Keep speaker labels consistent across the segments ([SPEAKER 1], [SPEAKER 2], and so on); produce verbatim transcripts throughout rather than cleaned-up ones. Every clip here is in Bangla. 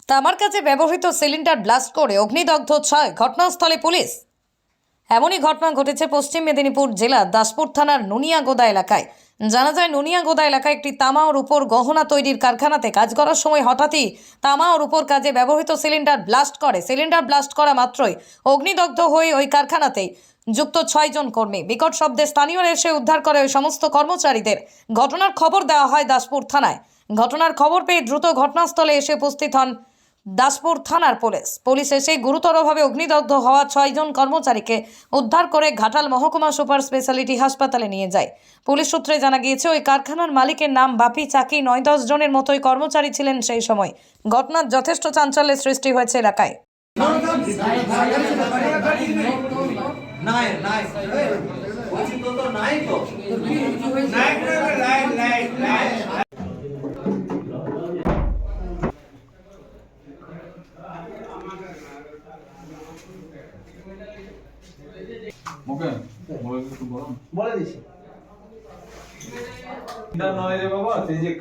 [SPEAKER 1] তামার কাছে ব্যবহৃত সিলিন্ডার ব্লাস্ট করে অগ্নিদগ্ধ ছয়, ঘটনাস্থলে পুলিশ। এমনই ঘটনা ঘটেছে পশ্চিম মেদিনীপুর জেলার দাসপুর থানার নুনিয়াগোদা এলাকায়। জানা যায়, নুনিয়াগোদা এলাকায় একটি তামা ও রূপোর গহনা তৈরির কারখানাতে কাজ করার সময় হঠাৎই তামা ও রূপোর কাজে ব্যবহৃত সিলিন্ডার ব্লাস্ট করে। সিলিন্ডার ব্লাস্ট করা মাত্রই অগ্নিদগ্ধ হয়ে ওই কারখানাতেই যুক্ত ছয় জন কর্মী। বিকট শব্দে স্থানীয়রা এসে উদ্ধার করে ওই সমস্ত কর্মচারীদের। ঘটনার খবর দেওয়া হয় দাসপুর থানায়। ঘটনার খবর পেয়ে দ্রুত ঘটনাস্থলে এসে উপস্থিত হন দাসপুর থানার পুলিশ। পুলিশ এসে গুরুতরভাবে অগ্নিদগ্ধ হওয়া ছয়জন কর্মচারীকে উদ্ধার করে ঘাটাল মহকুমা সুপার স্পেশালিটি হাসপাতালে নিয়ে যায়। পুলিশ সূত্রে জানা গিয়েছে, ওই কারখানার মালিকের নাম বাপি চাকি। নয় দশ জনের মতোই কর্মচারী ছিলেন সেই সময়। ঘটনার যথেষ্ট চাঞ্চল্যের সৃষ্টি হয়েছে এলাকায়।
[SPEAKER 2] ওকে বলে একটু বলুন।
[SPEAKER 3] বলে দিছি
[SPEAKER 2] না নয় রে বাবা, সেই যে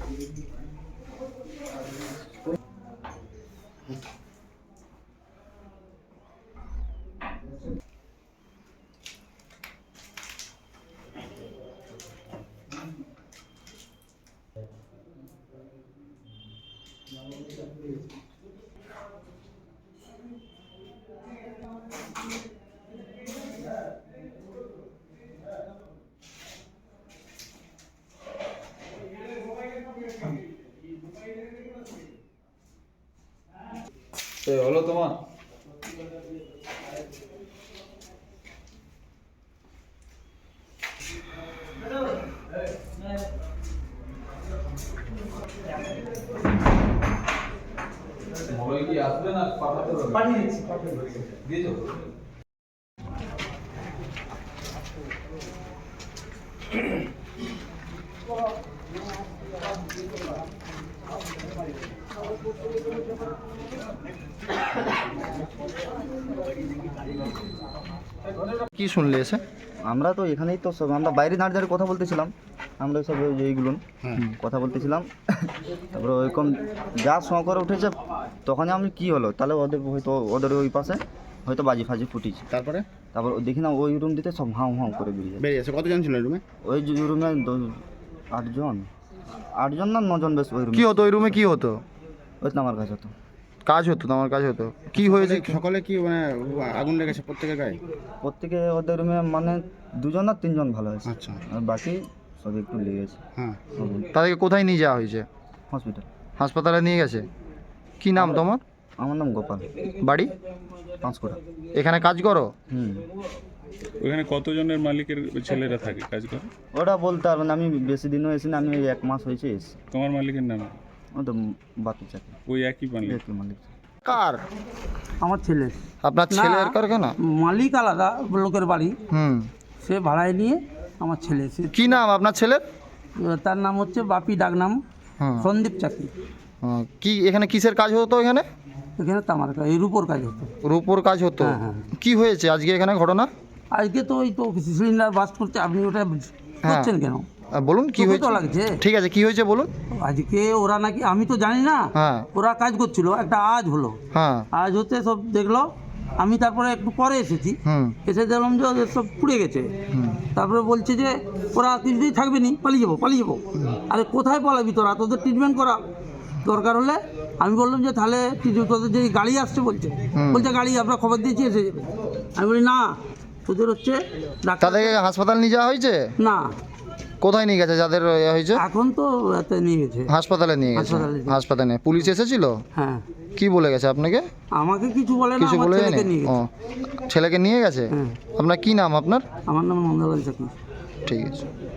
[SPEAKER 2] হলো তোমার মোবাইল কি আসবে না পাঠাতে হবে?
[SPEAKER 3] পাঠিয়ে দিচ্ছি পাঠিয়ে দিচ্ছি
[SPEAKER 2] দিয়েছো?
[SPEAKER 4] কি শুনলে এসে?
[SPEAKER 5] আমরা তো এখানেই তো সব আমরা বাইরে দাঁড়িয়ে দাঁড়িয়ে কথা বলতেছিলাম। আমরা সব ওই যে এইগুলো কথা বলতেছিলাম, তারপরে ওইরকম যা শখ করে উঠেছে তখনই আমি কি হলো তাহলে ওদের হয়তো ওদের ওই পাশে হয়তো বাজি ফাজি ফুটিছে।
[SPEAKER 4] তারপরে
[SPEAKER 5] তারপর দেখি না ওই রুম দিতে সব হাউ হাউ করে বেরিয়ে যায়।
[SPEAKER 4] বেরিয়েছে। কতজন ছিল রুমে?
[SPEAKER 5] ওই যে রুমে আটজন আটজন না নজন বেশ। ওই রুমে
[SPEAKER 4] কি হতো ওই রুমে? কি হতো?
[SPEAKER 5] ওই তো আমার কাছে হতো
[SPEAKER 4] কাজ হতো, তোমার কাজ হতো। কি হয়েছে?
[SPEAKER 6] সকালে কি মানে আগুন লেগেছে প্রত্যেকের গায়ে?
[SPEAKER 5] প্রত্যেকে ওদের রুমে মানে দুজন না তিনজন ভালো হয়েছে,
[SPEAKER 6] আচ্ছা,
[SPEAKER 5] আর বাকি সব একটু লেগেছে।
[SPEAKER 6] হ্যাঁ।
[SPEAKER 4] তাদেরকে কোথায় নিয়ে যাওয়া হয়েছে?
[SPEAKER 5] হসপিটাল
[SPEAKER 4] হাসপাতালে নিয়ে গেছে। কি নাম তোমার?
[SPEAKER 5] আমার নাম গোপাল,
[SPEAKER 4] বাড়ি?
[SPEAKER 5] পাঁচকোটা।
[SPEAKER 4] এখানে কাজ করো?
[SPEAKER 5] হুম।
[SPEAKER 7] ওখানে কতজনের মালিকের ছেলেরা থাকে, কাজ করে?
[SPEAKER 5] ওটা বলতে পারবো না, আমি বেশি দিনও এসি না, আমি ওই এক মাস হয়েছে এসি।
[SPEAKER 7] তোমার মালিকের নাম?
[SPEAKER 5] ও তো বাপি চাকরি,
[SPEAKER 7] ওই একই মালিক?
[SPEAKER 5] একই মালিক।
[SPEAKER 4] কার?
[SPEAKER 3] আমার ছেলে।
[SPEAKER 4] আপনার ছেলের কারখানা?
[SPEAKER 3] মালিক আলাদা লোকের বাড়ি,
[SPEAKER 4] হুম।
[SPEAKER 3] সে ভাড়ায় নিয়ে আমার ছেলে এসে।
[SPEAKER 4] কি নাম আপনার ছেলের?
[SPEAKER 3] তার নাম হচ্ছে বাপি, ডাকনাম
[SPEAKER 4] হুম।
[SPEAKER 3] সন্দীপ চাকরি।
[SPEAKER 4] হুম, কি এখানে কিসের কাজ হতো? এখানে
[SPEAKER 3] এখানে তামার কাজ, এই রূপোর কাজ হতো।
[SPEAKER 4] রূপোর কাজ হতো।
[SPEAKER 3] হ্যাঁ, হ্যাঁ।
[SPEAKER 4] কি হয়েছে আজকে এখানে ঘটনা?
[SPEAKER 3] আজকে তো ওই তো সিলিন্ডার বাস্ট করতে, আপনি ওটা করছেন কেন?
[SPEAKER 4] আহ, বলুন কি
[SPEAKER 3] চোখে
[SPEAKER 4] হয়েছে।
[SPEAKER 3] তো লাগছে।
[SPEAKER 4] ঠিক আছে, কি হয়েছে বলুন।
[SPEAKER 3] আজকে ওরা নাকি, আমি তো জানি না,
[SPEAKER 4] হ্যাঁ
[SPEAKER 3] ওরা কাজ করছিল, একটা আজ হলো।
[SPEAKER 4] হ্যাঁ
[SPEAKER 3] আজ হতে সব দেখলো, আমি তারপরে একটু পরে এসেছি,
[SPEAKER 4] হুম
[SPEAKER 3] এসে দেখলাম যে ওদের সব পুড়ে গেছে।
[SPEAKER 4] হুম
[SPEAKER 3] তারপরে বলছে যে ওরা কিছুতেই থাকবে নি, পালিয়ে যাবো পালিয়ে যাবো। আরে কোথায় পালাবি তোরা, তোদের ট্রিটমেন্ট করা দরকার হলে। আমি বললাম যে তাহলে ট্রিটমেন্ট, তোদের যে গাড়ি আসছে বলছে,
[SPEAKER 4] হুম।
[SPEAKER 3] বলছে গাড়ি আমরা খবর দিয়েছি এসে যাবে। আমি বলি না, তোদের হচ্ছে ডাক্তার।
[SPEAKER 4] তাদেরকে হাসপাতাল নিয়ে যাওয়া হয়েছে?
[SPEAKER 3] না,
[SPEAKER 4] কোথায় নিয়ে গেছে যাদের ইয়ে হয়েছে?
[SPEAKER 3] এখন তো এতে নিয়ে গেছে
[SPEAKER 4] হাসপাতালে নিয়ে গেছে।
[SPEAKER 3] হাসপাতালে নিয়ে-
[SPEAKER 4] হাসপাতালে পুলিশ এসেছিল?
[SPEAKER 3] হ্যাঁ।
[SPEAKER 4] কি বলে গেছে আপনাকে?
[SPEAKER 3] আমাকে কিছু বলে না,
[SPEAKER 4] কিছু
[SPEAKER 3] আমার
[SPEAKER 4] বলে
[SPEAKER 3] ছেলেকে
[SPEAKER 4] যায়নি?
[SPEAKER 3] নিয়ে
[SPEAKER 4] ও,
[SPEAKER 3] গেছে।
[SPEAKER 4] ছেলেকে নিয়ে গেছে।
[SPEAKER 3] হ্যাঁ।
[SPEAKER 4] আপনার কি নাম আপনার?
[SPEAKER 3] আমার নাম নন্দলাল চাকরি।
[SPEAKER 4] ঠিক আছে।